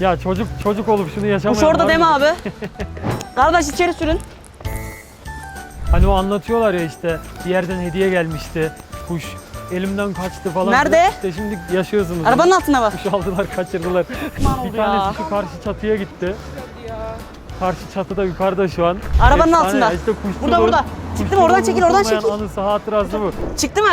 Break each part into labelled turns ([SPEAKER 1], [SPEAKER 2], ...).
[SPEAKER 1] Ya çocuk olup şunu yaşamayan
[SPEAKER 2] Kuş orada
[SPEAKER 1] var
[SPEAKER 2] değil mi
[SPEAKER 1] mı?
[SPEAKER 2] abi? Kardeş içeri sürün.
[SPEAKER 1] Hani o anlatıyorlar ya işte bir yerden hediye gelmişti. Kuş elimden kaçtı falan.
[SPEAKER 2] Nerede?
[SPEAKER 1] İşte şimdi yaşıyorsunuz.
[SPEAKER 2] Arabanın altına bak.
[SPEAKER 1] Kuş aldılar, kaçırdılar.
[SPEAKER 2] Aman
[SPEAKER 1] Bir
[SPEAKER 2] oldu ya.
[SPEAKER 1] tanesi şu karşı çatıya gitti. Karşı çatıda yukarıda şu an.
[SPEAKER 2] Arabanın
[SPEAKER 1] Efsane
[SPEAKER 2] altında.
[SPEAKER 1] ya, İşte kuşçuluğun-
[SPEAKER 2] Burada, burada. Çıktı mı? Oradan çekil, oradan
[SPEAKER 1] unutulmayan
[SPEAKER 2] çekil.
[SPEAKER 1] Anısı, hatırası bu.
[SPEAKER 2] Çıktı mı?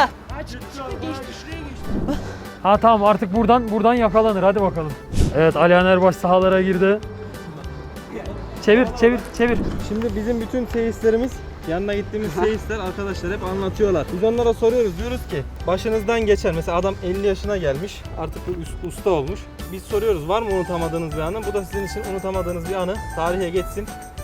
[SPEAKER 1] Ha tamam, artık buradan yakalanır, hadi bakalım. Evet, Alihan Erbaş sahalara girdi. Çevir.
[SPEAKER 3] Şimdi bizim bütün seyislerimiz, yanına gittiğimiz seyisler arkadaşlar hep anlatıyorlar. Biz onlara soruyoruz, diyoruz ki başınızdan geçer. Mesela adam 50 yaşına gelmiş, artık bir usta olmuş. Biz soruyoruz, var mı unutamadığınız bir anı? Bu da sizin için unutamadığınız bir anı. Tarihe geçsin.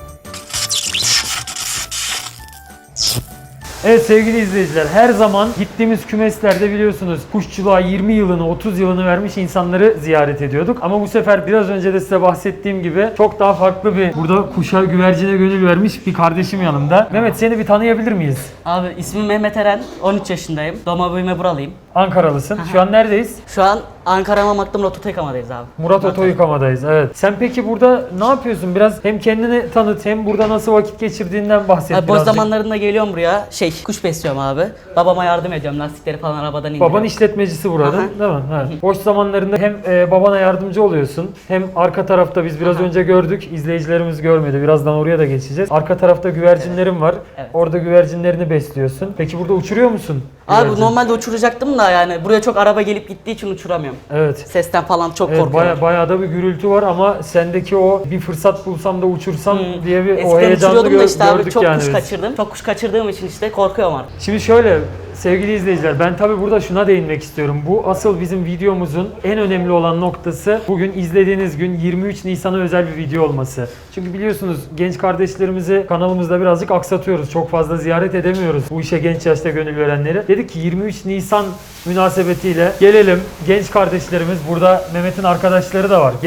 [SPEAKER 1] Evet sevgili izleyiciler, her zaman gittiğimiz kümeslerde biliyorsunuz kuşçuluğa 20 yılını 30 yılını vermiş insanları ziyaret ediyorduk. Ama bu sefer biraz önce de size bahsettiğim gibi çok daha farklı bir, burada kuşa güvercine gönül vermiş bir kardeşim yanımda. Mehmet, seni bir tanıyabilir miyiz?
[SPEAKER 2] Abi ismim Mehmet Eren, 13 yaşındayım. Doğma büyüme buralıyım.
[SPEAKER 1] Ankaralısın. Şu an neredeyiz?
[SPEAKER 2] Şu an Ankara Mamak'ta Murat Oto yıkamadayız abi.
[SPEAKER 1] Murat Oto yıkamadayız. Evet. Sen peki burada ne yapıyorsun? Biraz hem kendini tanıt hem burada nasıl vakit geçirdiğinden bahset
[SPEAKER 2] Abi boş
[SPEAKER 1] birazcık.
[SPEAKER 2] zamanlarında geliyorum buraya, kuş besliyorum abi. Babama yardım ediyorum, lastikleri falan arabadan indiriyorum.
[SPEAKER 1] Baban işletmecisi burada,
[SPEAKER 2] Aha.
[SPEAKER 1] değil mi? Ha. Boş zamanlarında hem babana yardımcı oluyorsun, hem arka tarafta biz biraz önce gördük, izleyicilerimiz görmedi. Birazdan oraya da geçeceğiz. Arka tarafta güvercinlerim var.
[SPEAKER 2] Evet.
[SPEAKER 1] Orada güvercinlerini besliyorsun. Peki burada uçuruyor musun?
[SPEAKER 2] Abi
[SPEAKER 1] güvercin?
[SPEAKER 2] normalde uçuracaktım da yani buraya çok araba gelip gittiği için uçuramıyorum.
[SPEAKER 1] Evet.
[SPEAKER 2] Sesten falan çok
[SPEAKER 1] Evet,
[SPEAKER 2] korkuyorum.
[SPEAKER 1] bayağı da bir gürültü var ama sendeki o bir fırsat bulsam da uçursam diye bir o
[SPEAKER 2] Eskiden
[SPEAKER 1] heyecanlı
[SPEAKER 2] uçuruyordum da işte abi
[SPEAKER 1] gördük
[SPEAKER 2] çok
[SPEAKER 1] yani
[SPEAKER 2] kuş
[SPEAKER 1] biz.
[SPEAKER 2] kaçırdım. Çok kuş kaçırdığım için işte korkuyorum artık.
[SPEAKER 1] Şimdi şöyle sevgili izleyiciler, ben tabii burada şuna değinmek istiyorum. Bu asıl bizim videomuzun en önemli olan noktası, bugün izlediğiniz gün 23 Nisan'a özel bir video olması. Çünkü biliyorsunuz genç kardeşlerimizi kanalımızda birazcık aksatıyoruz. Çok fazla ziyaret edemiyoruz bu işe genç yaşta gönül verenleri. Dedik ki 23 Nisan münasebetiyle gelelim. Genç kardeşlerimiz, burada Mehmet'in arkadaşları da var.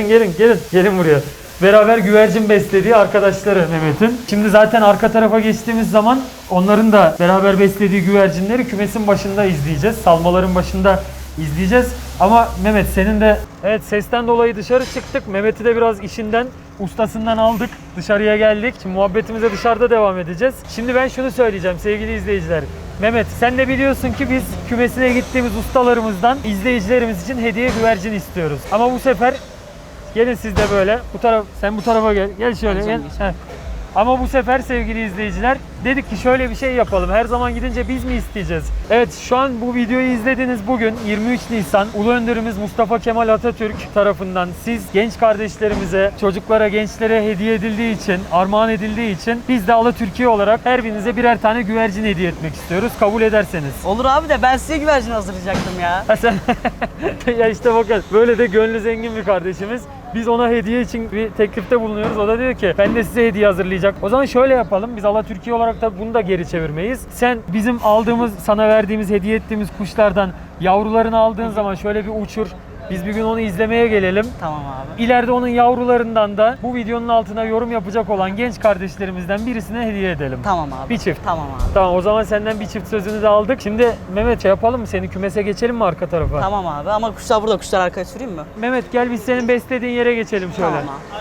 [SPEAKER 1] Gelin buraya. Beraber güvercin beslediği arkadaşları Mehmet'in. Şimdi zaten arka tarafa geçtiğimiz zaman onların da beraber beslediği güvercinleri kümesin başında izleyeceğiz. Salmaların başında izleyeceğiz. Ama Mehmet, senin de evet, sesten dolayı dışarı çıktık. Mehmet'i de biraz işinden, ustasından aldık. Dışarıya geldik. Şimdi muhabbetimize dışarıda devam edeceğiz. Şimdi ben şunu söyleyeceğim sevgili izleyiciler. Mehmet, sen de biliyorsun ki biz kümesine gittiğimiz ustalarımızdan izleyicilerimiz için hediye güvercin istiyoruz. Ama bu sefer gelin siz de böyle. Sen bu tarafa gel. Gel şöyle. Gel. Heh. Ama bu sefer sevgili izleyiciler dedik ki şöyle bir şey yapalım. Her zaman gidince biz mi isteyeceğiz? Evet, şu an bu videoyu izlediğiniz bugün 23 Nisan Ulu Önderimiz Mustafa Kemal Atatürk tarafından siz genç kardeşlerimize, çocuklara, gençlere hediye edildiği için, armağan edildiği için biz de Alatürkiye olarak her birinize birer tane güvercin hediye etmek istiyoruz. Kabul ederseniz.
[SPEAKER 2] Olur abi de ben size güvercin hazırlayacaktım ya.
[SPEAKER 1] Ha sen ya işte bakın, böyle de gönlü zengin bir kardeşimiz. Biz ona hediye için bir teklifte bulunuyoruz. O da diyor ki ben de size hediye hazırlayacak. O zaman şöyle yapalım. Biz Alatürkiye olarak da bunu da geri çevirmeyiz. Sen bizim aldığımız, sana verdiğimiz, hediye ettiğimiz kuşlardan yavrularını aldığın zaman şöyle bir uçur. Biz bir gün onu izlemeye gelelim.
[SPEAKER 2] Tamam abi.
[SPEAKER 1] İleride onun yavrularından da bu videonun altına yorum yapacak olan genç kardeşlerimizden birisine hediye edelim.
[SPEAKER 2] Tamam abi.
[SPEAKER 1] Bir çift.
[SPEAKER 2] Tamam abi.
[SPEAKER 1] Tamam, o zaman senden bir çift sözünü de aldık. Şimdi Mehmet, yapalım mı? Seni kümese geçelim mi arka tarafa?
[SPEAKER 2] Tamam abi ama kuşlar burada, kuşlar arkaya süreyim mi?
[SPEAKER 1] Mehmet gel, biz senin beslediğin yere geçelim şöyle.
[SPEAKER 2] Tamam abi.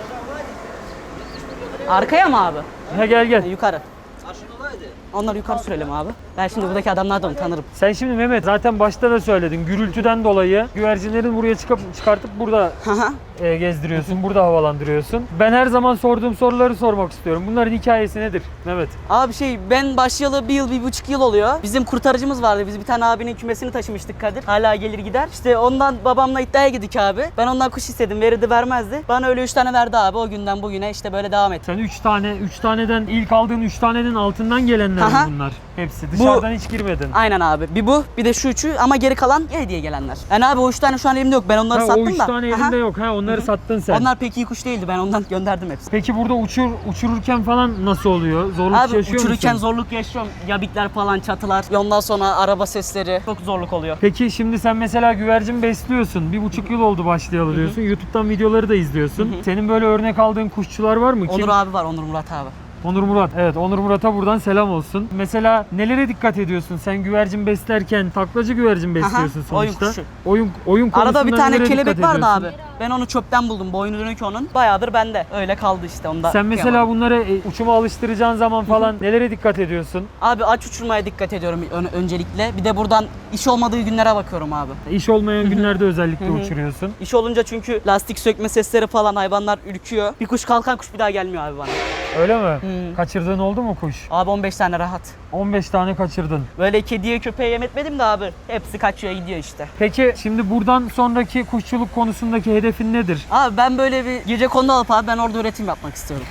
[SPEAKER 2] Arkaya mı abi?
[SPEAKER 1] Ha, gel.
[SPEAKER 2] Yukarı. Onları yukarı sürelim abi. Ben şimdi buradaki adamlardan tanırım.
[SPEAKER 1] Sen şimdi Mehmet zaten başta da söyledin. Gürültüden dolayı güvercinlerin buraya çıkartıp burada gezdiriyorsun, burada havalandırıyorsun. Ben her zaman sorduğum soruları sormak istiyorum. Bunların hikayesi nedir Mehmet?
[SPEAKER 2] Abi ben başlayalı 1,5 yıl oluyor. Bizim kurtarıcımız vardı. Biz bir tane abinin kümesini taşımıştık Kadir. Hala gelir gider. İşte ondan babamla iddiaya girdik abi. Ben ondan kuş istedim. Verirdi vermezdi. Bana öyle 3 tane verdi abi. O günden bugüne işte böyle devam etti.
[SPEAKER 1] Sen 3 taneden ilk aldığın 3 tanenin altından gelenler mi bunlar? Hepsi. Dışarıdan hiç girmedin.
[SPEAKER 2] Aynen abi. Bir bu, bir de şu üçü ama geri kalan hediye gelenler. Yani abi o 3 tane şu an elimde yok. Ben onları sattım da.
[SPEAKER 1] O 3 tane elinde yok. Onları sattın sen.
[SPEAKER 2] Onlar pek iyi kuş değildi. Ben ondan gönderdim hepsini.
[SPEAKER 1] Peki burada uçururken falan nasıl oluyor? Zorluk
[SPEAKER 2] Abi
[SPEAKER 1] yaşıyor
[SPEAKER 2] uçururken
[SPEAKER 1] musun?
[SPEAKER 2] zorluk yaşıyorum. Yabikler falan, çatılar. Ondan sonra araba sesleri. Çok zorluk oluyor.
[SPEAKER 1] Peki şimdi sen mesela güvercin besliyorsun. 1,5 yıl oldu başlayalı diyorsun. YouTube'dan videoları da izliyorsun. Senin böyle örnek aldığın kuşçular var mı?
[SPEAKER 2] Onur abi var, Onur Murat abi.
[SPEAKER 1] Onur Murat. Evet, Onur Murat'a buradan selam olsun. Mesela nelere dikkat ediyorsun? Sen güvercin beslerken taklacı güvercin besliyorsun
[SPEAKER 2] Aha, oyun
[SPEAKER 1] sonuçta.
[SPEAKER 2] kuşu.
[SPEAKER 1] Oyun konusunda
[SPEAKER 2] Arada bir tane
[SPEAKER 1] nelere
[SPEAKER 2] kelebek
[SPEAKER 1] dikkat
[SPEAKER 2] vardı
[SPEAKER 1] ediyorsun?
[SPEAKER 2] abi. Ben onu çöpten buldum. Boynu dönük onun. Bayağıdır bende. Öyle kaldı işte onda.
[SPEAKER 1] Sen mesela
[SPEAKER 2] kıyamadım.
[SPEAKER 1] bunları uçuma alıştıracağın zaman falan nelere dikkat ediyorsun?
[SPEAKER 2] Abi aç uçurmaya dikkat ediyorum öncelikle. Bir de buradan iş olmadığı günlere bakıyorum abi.
[SPEAKER 1] İş olmayan günlerde özellikle uçuruyorsun.
[SPEAKER 2] İş olunca çünkü lastik sökme sesleri falan hayvanlar ürküyor. Bir kuş kalkan kuş bir daha gelmiyor abi bana.
[SPEAKER 1] Öyle mi? Kaçırdığın oldu mu kuş?
[SPEAKER 2] Abi 15 tane rahat.
[SPEAKER 1] 15 tane kaçırdın.
[SPEAKER 2] Böyle kediye köpeğe yem etmedim de abi. Hepsi kaçıyor gidiyor işte.
[SPEAKER 1] Peki şimdi buradan sonraki kuşçuluk konusundaki hedefin nedir?
[SPEAKER 2] Abi ben böyle bir gecekondu alıp abi ben orada üretim yapmak istiyorum.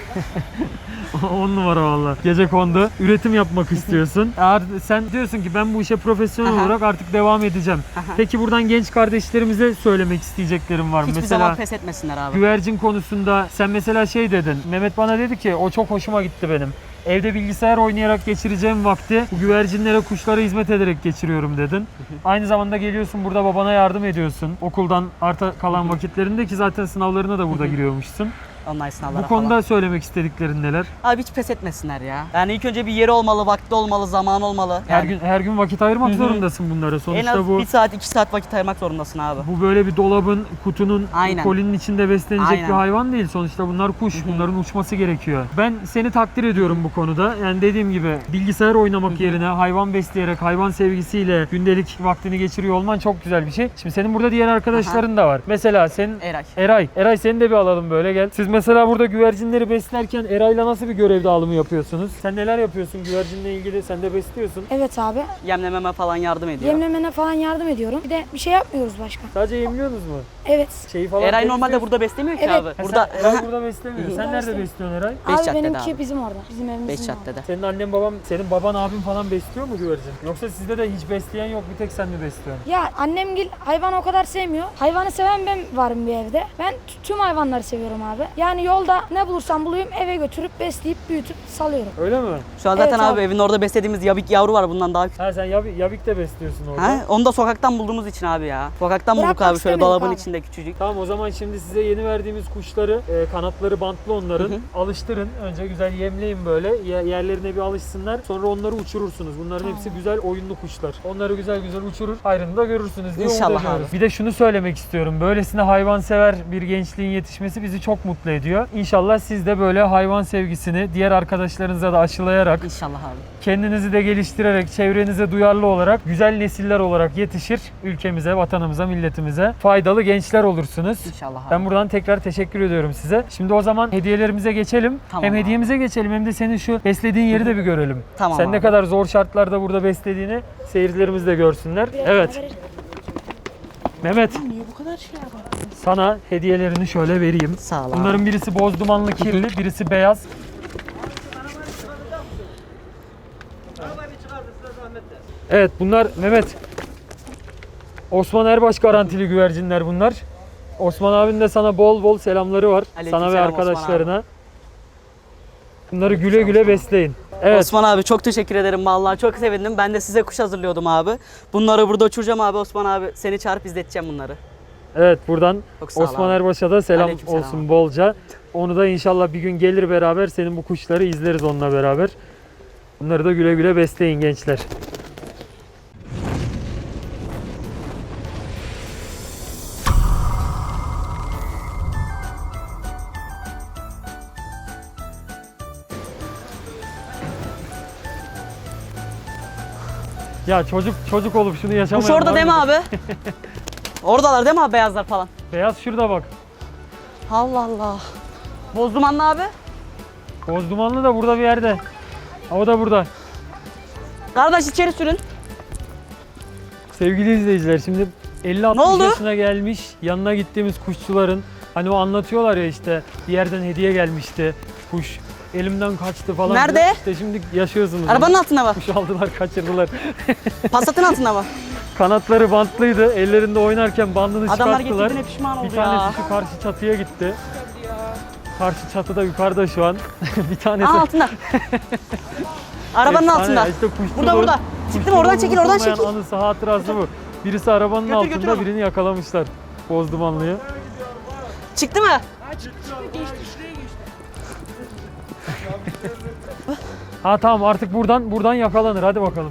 [SPEAKER 1] 10 numara valla. Gecekondu üretim yapmak istiyorsun. Eğer sen diyorsun ki ben bu işe profesyonel
[SPEAKER 2] Aha.
[SPEAKER 1] olarak artık devam edeceğim. Peki buradan genç kardeşlerimize söylemek isteyeceklerim var mı?
[SPEAKER 2] Hiçbir
[SPEAKER 1] Mesela
[SPEAKER 2] zaman pes etmesinler abi.
[SPEAKER 1] güvercin konusunda sen mesela şey dedin. Mehmet bana dedi ki o çok hoşuma gitti benim. Evde bilgisayar oynayarak geçireceğim vakti bu güvercinlere, kuşlara hizmet ederek geçiriyorum dedin. Aynı zamanda geliyorsun burada babana yardım ediyorsun. Okuldan arta kalan vakitlerinde ki zaten sınavlarına da burada giriyormuşsun.
[SPEAKER 2] Online sınavlara
[SPEAKER 1] Bu konuda
[SPEAKER 2] falan.
[SPEAKER 1] söylemek istediklerin neler?
[SPEAKER 2] Abi hiç pes etmesinler ya. Yani ilk önce bir yeri olmalı, vakti olmalı, zaman olmalı. Yani
[SPEAKER 1] Her gün vakit ayırmak zorundasın bunlara.
[SPEAKER 2] en
[SPEAKER 1] Sonuçta
[SPEAKER 2] az
[SPEAKER 1] bu
[SPEAKER 2] 1 saat 2 saat vakit ayırmak zorundasın abi.
[SPEAKER 1] bu böyle bir dolabın, kutunun,
[SPEAKER 2] Aynen.
[SPEAKER 1] kolinin içinde beslenecek
[SPEAKER 2] Aynen.
[SPEAKER 1] bir hayvan değil. Sonuçta bunlar kuş. Bunların uçması gerekiyor. Ben seni takdir ediyorum bu konuda. Yani dediğim gibi bilgisayar oynamak yerine hayvan besleyerek, hayvan sevgisiyle gündelik vaktini geçiriyor olman çok güzel bir şey. Şimdi senin burada diğer arkadaşların da var. Mesela senin
[SPEAKER 2] Eray.
[SPEAKER 1] Eray seni de bir alalım böyle gel. Siz mesela burada güvercinleri beslerken Eray'la nasıl bir görev dağılımı yapıyorsunuz? Sen neler yapıyorsun güvercinle ilgili? Sen de besliyorsun.
[SPEAKER 4] Evet abi.
[SPEAKER 2] Yemlememe falan yardım ediyor.
[SPEAKER 4] Yemlemene falan yardım ediyorum. Bir de bir şey yapmıyoruz başka.
[SPEAKER 1] Sadece yemliyorsunuz mu?
[SPEAKER 4] Evet.
[SPEAKER 1] Şeyi falan
[SPEAKER 2] Eray
[SPEAKER 1] temizliyorsun.
[SPEAKER 2] normalde burada beslemiyor ki
[SPEAKER 4] Evet.
[SPEAKER 2] abi.
[SPEAKER 1] Ha,
[SPEAKER 2] Burada
[SPEAKER 1] sen Eray burada beslemiyor. Sen nerede
[SPEAKER 4] beslemiyor.
[SPEAKER 1] besliyorsun Eray?
[SPEAKER 2] Beş
[SPEAKER 4] Abi
[SPEAKER 2] caddede
[SPEAKER 4] benimki
[SPEAKER 2] abi.
[SPEAKER 4] bizim orada. Bizim evimizin
[SPEAKER 2] 5
[SPEAKER 4] orada.
[SPEAKER 2] caddede.
[SPEAKER 1] Senin annen babam, senin baban abin falan besliyor mu güvercin? Yoksa sizde de hiç besleyen yok bir tek sen mi besliyorsun?
[SPEAKER 4] Ya annemgil hayvanı o kadar sevmiyor. Hayvanı seven ben varım bir evde. Ben tüm hayvanları seviyorum abi. Yani yolda ne bulursam bulayım eve götürüp besleyip büyütüp salıyorum.
[SPEAKER 1] Öyle mi?
[SPEAKER 2] Şu an zaten
[SPEAKER 4] Evet
[SPEAKER 2] abi
[SPEAKER 4] abi.
[SPEAKER 2] evin orada beslediğimiz yabik yavru var bundan daha küçük.
[SPEAKER 1] Ha sen yabik de besliyorsun orada.
[SPEAKER 2] Ha? Onu da sokaktan bulduğumuz için abi ya. Sokaktan bulduk
[SPEAKER 4] Bırakmak
[SPEAKER 2] abi şöyle
[SPEAKER 4] istemedik
[SPEAKER 2] dolabın
[SPEAKER 4] abi.
[SPEAKER 2] içinde küçücük.
[SPEAKER 1] Tamam o zaman şimdi size yeni verdiğimiz kuşları kanatları bantlı onların alıştırın. Önce güzel yemleyin böyle yerlerine bir alışsınlar. Sonra onları uçurursunuz. Bunların hepsi güzel oyunlu kuşlar. Onları güzel güzel uçurur. Hayrını da görürsünüz diye
[SPEAKER 2] İnşallah
[SPEAKER 1] umut ediyoruz.
[SPEAKER 2] abi.
[SPEAKER 1] Bir de şunu söylemek istiyorum. Böylesine hayvansever bir gençliğin yetişmesi bizi çok mutlu ediyor. İnşallah siz de böyle hayvan sevgisini diğer arkadaşlarınıza da aşılayarak
[SPEAKER 2] İnşallah abi.
[SPEAKER 1] kendinizi de geliştirerek, çevrenize duyarlı olarak, güzel nesiller olarak yetişir. Ülkemize, vatanımıza, milletimize faydalı gençler olursunuz.
[SPEAKER 2] İnşallah abi.
[SPEAKER 1] Ben buradan tekrar teşekkür ediyorum size. Şimdi o zaman hediyelerimize geçelim.
[SPEAKER 2] Tamam
[SPEAKER 1] Hem
[SPEAKER 2] abi.
[SPEAKER 1] hediyemize geçelim hem de senin şu beslediğin yeri de bir görelim.
[SPEAKER 2] Tamam
[SPEAKER 1] Sen ne
[SPEAKER 2] abi.
[SPEAKER 1] kadar zor şartlarda burada beslediğini seyircilerimiz de görsünler. Evet. Mehmet,
[SPEAKER 4] Niye bu kadar şey yapar?
[SPEAKER 1] sana hediyelerini şöyle vereyim.
[SPEAKER 2] Sağ ol abi.
[SPEAKER 1] Bunların birisi boz dumanlı kirli, birisi beyaz. Evet bunlar Mehmet. Osman Erbaş garantili güvercinler bunlar. Osman abinin de sana bol bol selamları var. Sana ve
[SPEAKER 2] Aleykümselam Osman
[SPEAKER 1] arkadaşlarına. Bunları güle güle besleyin. Evet.
[SPEAKER 2] Osman abi çok teşekkür ederim vallahi çok sevindim. Ben de size kuş hazırlıyordum abi. Bunları burada uçuracağım abi Osman abi. Seni çağırıp izleteceğim bunları.
[SPEAKER 1] Evet buradan
[SPEAKER 2] Çok sağ ol
[SPEAKER 1] Osman
[SPEAKER 2] abi.
[SPEAKER 1] Erbaş'a da selam
[SPEAKER 2] Aleykümselam
[SPEAKER 1] olsun
[SPEAKER 2] abi.
[SPEAKER 1] bolca. Onu da inşallah bir gün gelir beraber senin bu kuşları izleriz onunla beraber. Bunları da güle güle besleyin gençler. Ya çocuk olup şunu yaşamayan
[SPEAKER 2] Kuş orada
[SPEAKER 1] var
[SPEAKER 2] değil mi
[SPEAKER 1] mı?
[SPEAKER 2] abi? Oradalar değil mi abi beyazlar falan?
[SPEAKER 1] Beyaz şurada bak.
[SPEAKER 2] Allah Allah. Boz dumanlı abi.
[SPEAKER 1] Boz dumanlı da burada bir yerde. O da burada.
[SPEAKER 2] Kardeş içeri sürün.
[SPEAKER 1] Sevgili izleyiciler şimdi 50-60
[SPEAKER 2] Ne oldu?
[SPEAKER 1] yaşına gelmiş yanına gittiğimiz kuşçuların hani o anlatıyorlar ya işte bir yerden hediye gelmişti kuş elimden kaçtı falan.
[SPEAKER 2] Nerede?
[SPEAKER 1] diyor. İşte şimdi yaşıyorsunuz.
[SPEAKER 2] Arabanın
[SPEAKER 1] onu.
[SPEAKER 2] altında mı?
[SPEAKER 1] Kuş aldılar kaçırdılar.
[SPEAKER 2] Passat'ın altında mı?
[SPEAKER 1] Kanatları bantlıydı ellerinde oynarken bandını
[SPEAKER 2] Adamlar
[SPEAKER 1] çıkarttılar.
[SPEAKER 2] getirdiğine pişman oldu
[SPEAKER 1] Bir
[SPEAKER 2] ya.
[SPEAKER 1] tanesi şu karşı çatıya gitti. Karşı çatıda yukarıda şu an. Bir tanesi.
[SPEAKER 2] Aa altında. Arabanın
[SPEAKER 1] efsane
[SPEAKER 2] altında.
[SPEAKER 1] ya, işte kuşçuluğun-
[SPEAKER 2] Burada burada. Çıktım
[SPEAKER 1] kuşçuluğun
[SPEAKER 2] oradan çekil oradan
[SPEAKER 1] unutulmayan
[SPEAKER 2] çekil.
[SPEAKER 1] Anısı hatırası bu. Birisi arabanın
[SPEAKER 2] Götür, götür
[SPEAKER 1] altında
[SPEAKER 2] onu.
[SPEAKER 1] birini yakalamışlar. Boz dumanlıyı.
[SPEAKER 2] Çıktı mı?
[SPEAKER 1] Ha tamam, artık buradan yakalanır. Hadi bakalım.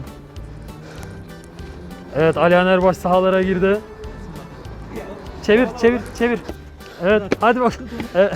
[SPEAKER 1] Evet, Alihan Erbaş sahalara girdi. Çevir. Evet, hadi bak. Evet.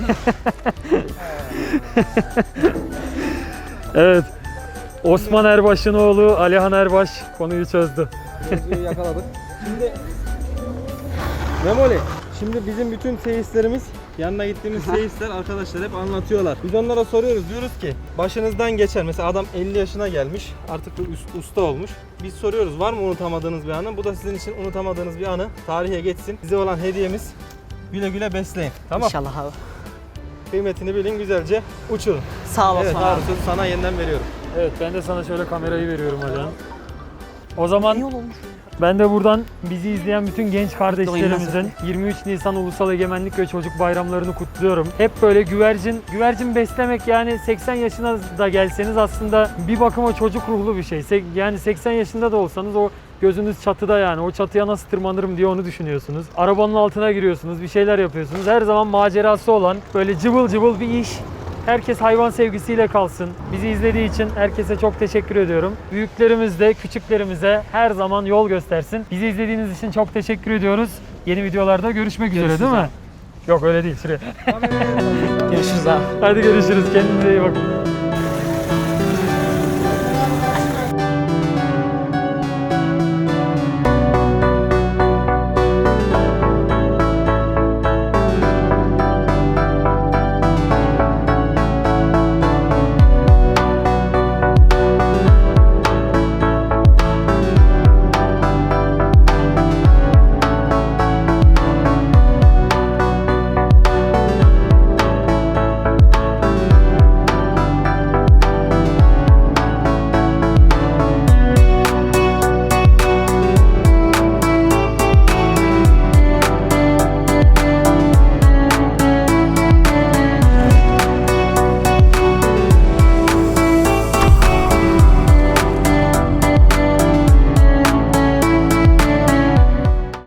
[SPEAKER 1] Evet. Osman Erbaş'ın oğlu Alihan Erbaş konuyu çözdü.
[SPEAKER 3] Mevzuyu yakaladık. Şimdi Memoli, şimdi bizim bütün seyislerimiz, yanına gittiğimiz seyisler arkadaşlar hep anlatıyorlar. Biz onlara soruyoruz, diyoruz ki başınızdan geçen, mesela adam 50 yaşına gelmiş, artık bir usta olmuş. Biz soruyoruz, var mı unutamadığınız bir anı? Bu da sizin için unutamadığınız bir anı. Tarihe geçsin. Size olan hediyemiz, güle güle besleyin. Tamam.
[SPEAKER 2] İnşallah abi.
[SPEAKER 3] Kıymetini bilin, güzelce uçurun.
[SPEAKER 2] Sağ olasın
[SPEAKER 3] Evet,
[SPEAKER 2] abi.
[SPEAKER 3] Harun, sözü sana yeniden veriyorum.
[SPEAKER 1] Evet, ben de sana şöyle kamerayı veriyorum Alihan. O zaman
[SPEAKER 2] İyi olmuş.
[SPEAKER 1] ben de buradan bizi izleyen bütün genç kardeşlerimizin 23 Nisan Ulusal Egemenlik ve Çocuk Bayramlarını kutluyorum. Hep böyle güvercin beslemek, yani 80 yaşına da gelseniz aslında bir bakıma çocuk ruhlu bir şey. Yani 80 yaşında da olsanız o gözünüz çatıda, yani o çatıya nasıl tırmanırım diye onu düşünüyorsunuz. Arabanın altına giriyorsunuz, bir şeyler yapıyorsunuz. Her zaman macerası olan böyle cıvıl cıvıl bir iş. Herkes hayvan sevgisiyle kalsın. Bizi izlediği için herkese çok teşekkür ediyorum. Büyüklerimiz de küçüklerimize her zaman yol göstersin. Bizi izlediğiniz için çok teşekkür ediyoruz. Yeni videolarda görüşmek üzere, değil mi? Yok öyle değil, şuraya.
[SPEAKER 2] Görüşürüz abi.
[SPEAKER 1] Hadi görüşürüz. Kendinize iyi bakın.